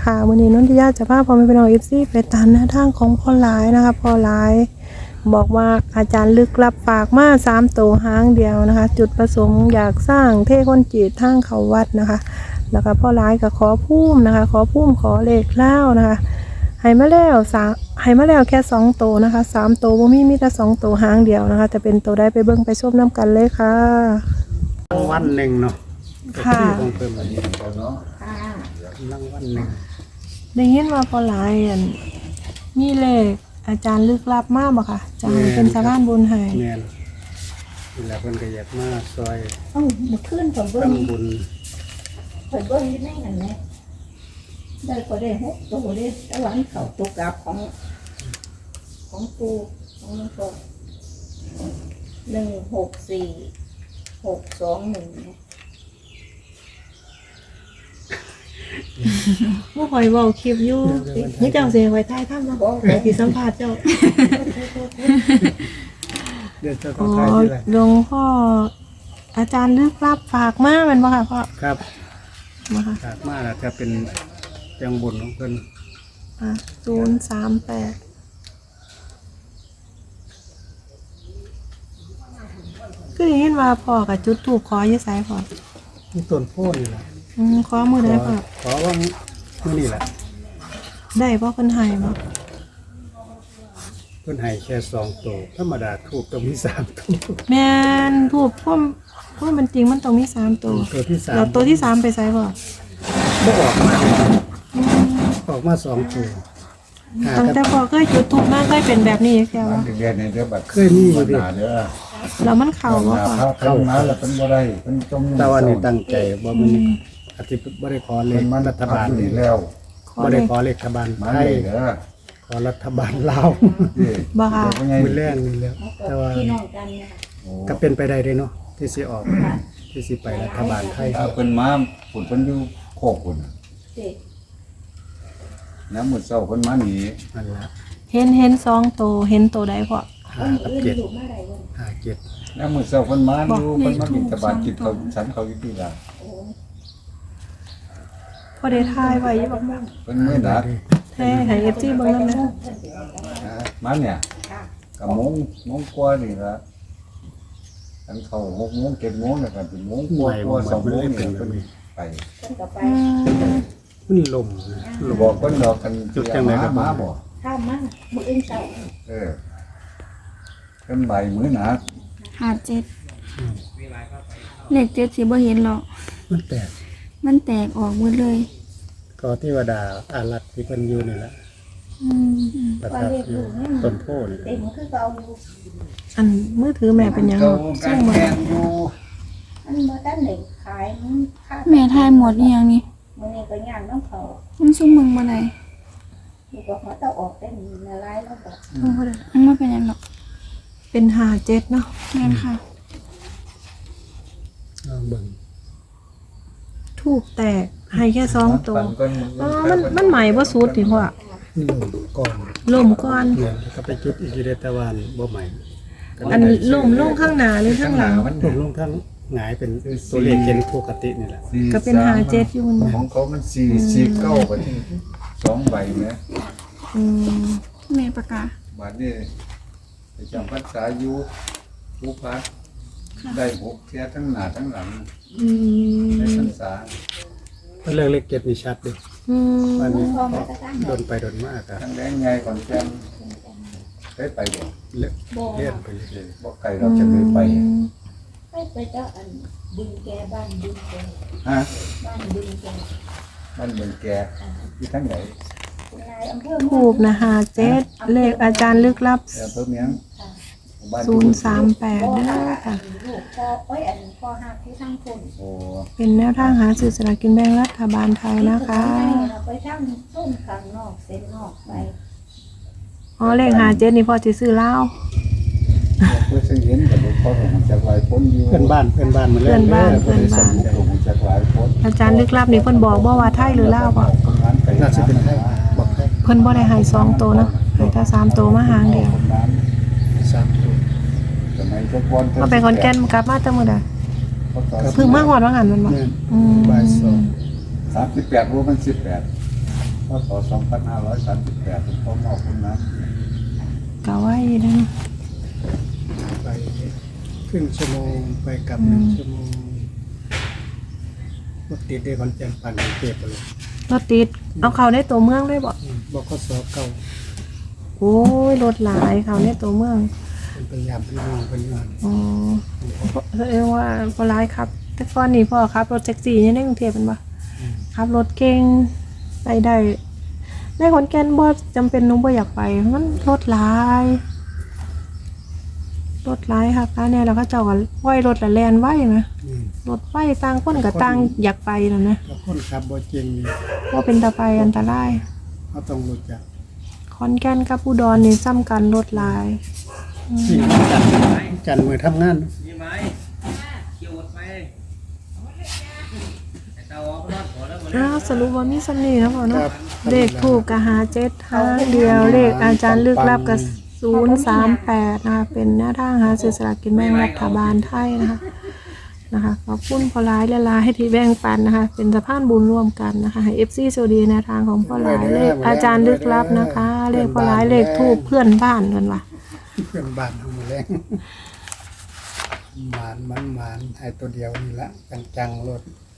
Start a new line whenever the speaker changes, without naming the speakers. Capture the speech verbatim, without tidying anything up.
ค่ะวันนี้นนทิยาจะพาพ่อแม่พี่น้องเอฟซีไปตามแนวทางของพ่อหลายนะคะพ่อหลายบอกว่าอาจารย์ลึกลับฝากมาสามตัวหางเดียวนะคะจุดประสงค์อยากสร้างเทคนจีตทางเขาวัดนะคะแล้วก็พ่อหลายก็ขอพุ่มนะคะขอพุ่มขอเลขเล่านะคะให้มาแล้วสามให้มาแล้วแค่สองตัวนะคะสามตัวบ่มีมีแต่สองตัวหางเดียวนะคะจะเป็นตัวได้ไปเบิ่งไปชมน้ำกันเลยค่ะ
รางวัลหนึ่งเนาะ
ค่ะ
ของเพิ่มอันนี้เนาะรางวัลหนึ่ง
ได้ยินว่าพ่อหลายอันมีเลขอาจารย์ลึกลับมากบ่ค่ะจะให้เป็นสะพานบุญให้
แม่นนี่แหละเพิ่นก็อยากมาซอย
เอ้ามาขึ้นผมเบิ้ง
ทำบุญ
ผมเบิ้งที่ไหนกันเนี่ยได้ก็ได้หกตัวได้แต่วันเขาตัวกลับของของปูของมันก็หนึ่งหกสี่หกสองหนึ่งเนี่ย
เมื่อคอยเว้าคลิปอยู่นี่เจ้าเสียไว้ท้ายถ้ำเนาะไอ้ที่สัมภาษณ์เจ้า
เดือนเจ้าข
อ๋
อ
อง
ไทยที่ไร
หลวงพ่ออาจารย์ลึกลับฝากมาแม่นบ่ค่ะพ่อ
ครับ
มาค่ะ
ฝากมาแล้วถ้าเป็นจังบุญของเพิ่น
อ่ะศูนย์สามแปดคือได้ยินว่าพ่อกับจุดถูกขออยู่ไสพ่อ
มีต้นโพธิ์นี่แหละ
อืมขอมือได้พ่อ
ขอว่ามื้อนี้แหละ
ได้บ่เพิ่นให้บ่
เพิ่นให้แค่สองตัวธรรมดาถูกต้องมีสามตัว
แม่นถูกพ่อมพ่อมันจริงมันต้องมีสามตัว
ตัวที่สาม
แล้วตัวที่สามไปไสพ่อ
บ่ออกมาออกมาสองตัวหา
ตั้ง
กัน
แต่พ่อเคยจุดถูกมากเคยเป็นแบบนี้แค่
มัน
ว่า
ถึงเรียนในเรื่องแบบ
เคยมีอยู่ดิ
หนาเด้อ
แล้วมันเข้าบ่พ่อ
ถ้าเข้ามาแล้วเป็นบ่ได้เป็นจม
แต่ว่านี่ตั้งใจว่ามันอาทิตย์บ่ได้ขอเล
เป็
ข
นมัน
รัฐบาล
นี่แล้ว
ขอ
บ่
เล
ได้
ข
ขอเลขรัฐบาล
มา
ไท
เลย ยเด้อ
ขอรัฐบาลลาว
นี่
บ่ค่ะ
เป็นไง
มือแรกนี่แหล้ว
เขาก็
แต่ว่า
พี่น้องกันเนี่ยค่ะ
โอ้
ก็เป็นไปได้เด้เนาะที่สิออกที่สิไปรัฐบาลไทย
ถ้าเพิ่นมาฝุ่นเพิ่นอยู่โคกพุ่น
เด็ก
น้ำมื้อเช้าเพิ่นมาหนี
นั่นละ
เห็นเห็นสองตัวเห็นตัวใดพ่อ
ห้า
คน
กับ
อื่น
เจ็ด
อยู่เมื่อไหร่วัน
ห้าเจ็ด
น้ำมื้อเช้าเพิ่นมาอยู่เพิ่นมาบิณฑบาตกินเขาวฉันเขาอยู่ที่ละ
โอ้
พอได้ทายไว้อยู่บ่แม่
เพิ่นมื้อนัด
แท้ให้ เอฟ ซี เบิ่งนำนะ
นะมาเนี่ย
ค่ะ
ก็โมงโมงกว่านี่ละอันเข้าหกโมงเจ็ดโมงแล้วก็เป็นโมงก
หน่
ว่า
วย
ก
บ่
ว่า
มั
สอน ง
มัน
โมง
เลย
นี่
เป็นแบ
เพิ่
บ
น
นี้
ไป
คนต่อไป
อืม
มันลมนะลม
บอกเพิ่นดอกกัน
จุดจังไหนครับ
มาบ่
ข้ามมามืออื่นเช้า
เออเป็นใบมือหนา
หาเจ็ดเลขเจ็ดสิบ่เห็นหรอก
มันแตก
มันแตกออกหมดเลย
ก็เทวดาอารักษ์ที่เพิ่นอยู่นี่แหละ
อืม
ประทับอยู่ต้นโพธิ์นี่
เต็มคือเก่าอยู่
อันมือถือแม่เป็นหยัง
เก่า
เนาะ
กา
ซึ่
รง
บ่
แกงอยู่
มันมาตั้งหนึ่งขายมันค่า
แม่ทายหมดอีหยังนี่
มันนี่ก็ย่างน้องเขา
มันซุ่มมึงบ่ได้
อยู่กับเขาต้องออกเป็นในร้ายแล้วแบบ
มันบ่เป็นหยังหรอก
เป็นห้าเจ็ดเนาะ
แม่นค่ะ
เอาเบิ่ง
ถูกแตกให้แค่สองตัว
ปั่นก้น
อ๋อมันมันใหม่บ่สุดติพ่อ
นี่ลมก่อน
ล่มก่อน
เนี่ยแล้วก็ไปจุดอีกทีเดแต่ว่าบ่ใหม่ก็เลย
อัน
ได้
ล่มลงข้างหน้าหรือข้างหลัง
มัน
ลมลงทั้งหงายเป็นตัวเลขเกณฑ์ปกตินี่แหละ
สี่
ก็เป็นห้าเจ็ดอยู่นะ
ของเขามันสี่สี่เก้าบัดนี้สองใบเนี่ย
อืม
แม่ประกาศ
บัดนี้ไปจำพรรษาอยู่ผู้พักได้หกเที่ยทั้งหน้าทั้งหลัง
อืม
ในพรรษา
เพราะเรื่องเลขเกณฑ์นี่ชัดเดิ
อืม
วันนี้
พอมาตั้ง
โดนไปโดนมากอะ
ทั้งแดงไงก่อนแกมได้ไปบ่
เลื่อน
โบ
เลื่อนไปเลย
บ่ไกลเราจะไม่ไป
ให้ไปเจ้าอันดึงแกบ้านดึงแก
ฮะ
บ้านดึงแก
มันเหมือนแกที่ทั้งไหน
คุณนายอำเภอ
ถูกนะห้าเจ็ดเลขอาจารย์ลึกลับ
เดี๋ยวเพิ่มเมียงบ้าน
ศูนย์สามแปด
พ่อ
เด้อ
หัก
ค่ะ
ลูกพ่อเอ้ยอันพ่อหักที่ทั้งคน
โอ้
เป็นแนวทางหาสื่อสลากกินแบ่งรัฐบาลไทยนะคะ
เราไปทั้งส้นข้างนอกเส้นนอกไป
อ๋อเลขหาเจ็ดนี่พอจะซื้อเหล้า
เพื่อซื้อเห็นกับหลวงพ่อของจากหลายพ้นอยู่
เพื่อนบ้านเพื่อนบ้านมาเล่
เพื่อนบ้าน
ด้
เพื่อนบ้าน
ของจากหลายพ้น
อาจารย์ลึกลับนี่เพิ่นบอกบ่ว่าไทยหรือลาวบ่
น่าจะเป็นไทยบอกไทย
เพิ่นบ่ได้ให้สองตัวเนาะให้แต่สามตัวมาหางเดียว
สามตัว
สมัยเจ้าก้อน
มาไปขอนแก่นกลับมาแต่มื้อใดเพิ่งมาฮอดว่างั้นมันบ่
เนี่ย
อืม
บ่ายสอง
สามสิบแปดรู้มันสิบแปด
อ
พศสองพันห้าร้อยสามสิบแปดผมขอมอบคุณนะ
กะไว้นะ
ไปครึ่งชั่วโมงไปกลับหนึ่งชั่วโมงรถติดได้คอนแก่นปั่นกรุงเทพไปเลย
รถติดเอาเขาในตัวเมืองได้บ่
อืมบกสเก่า
โอ้ยรถหลายเขาในตัวเมือง
เป็นพยายามพี่น้องเป็นงาน
อ๋อเรียกว่าพอร้ายครับ แต่ก่อนนี่พ่อครับรถแท็กซี่เนี่ยในกรุงเทพเป็นปะขับรถเก่งไปได้ในขอนแก่นบ่จำเป็นหนุ่งบ่อยากไปมันรถหลายรถหลายค่ะร้านเนี่ยเราก็เจ้าก็ไหวรถละแลนไหวนะ
นี่
รถไหวต่างคนกับต่างอยากไปแล้วนะ
ถ้าคนขับบ่จริงนี่
ว่าเป็นตาไปอันตราย
เขาต้องรู้จัก
ขอนแก่นกับอุดรนี่ซ้ำกันรถหลาย
ที่จันทร์จันทร์มือทำงาน
มีไหมเกี่ยวไหมไอ้เตาออกรอดหัวแล้วหมด
อ้าวสรุปว่ามีสำนีนะพ่อ
ค
เนาะ
รับ
เลขถูกกะหาเจ็ดหางเดียวเลขอาจารย์ลึกลับกับศูนย์สามแปดนะคะเป็นแนวทางหาซื้อสลากกินแบ่งรัฐบาลไทยนะคะนะคะขอบคุณพอร้ายและลาให้ที่แบ่งปันนะคะ เป็นสะพานบุญร่วมกันนะคะให้เอฟซีโซดีแนวทางของพอร้ายเลขอาจารย์ลึกลับนะคะ เลขพอร้ายเลขถูกเพื่อนบ้านกันว่ะ
เพื่อนบ้านทำมาแรงหมานมันหมานให้ตัวเดียวนี่ละจังๆรถ